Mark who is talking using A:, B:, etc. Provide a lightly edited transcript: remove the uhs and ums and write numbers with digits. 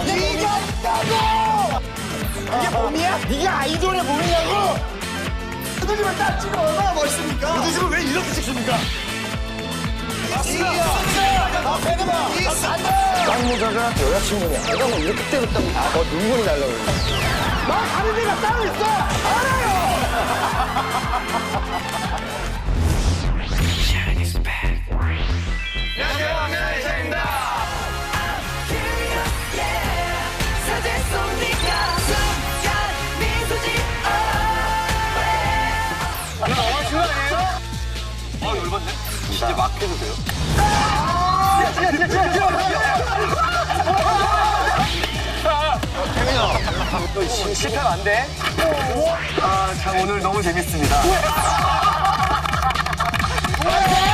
A: 이겼다고! 이게 몸이야? 네가 아이돌의 몸이냐고? 무드집을 딱 찍으면 얼마나 멋있습니까? 무드집을 왜 이렇게 찍습니까? 쌍모자가 여자친구냐? 내가 뭐 이렇게 때렸다고 눈물이 날라 그래. 나 가는 데가 따로 있어! 알아요!
B: 이제 막 해도 돼요? 너 실패하면 안 돼. 아, 참 오늘 너무 재밌습니다.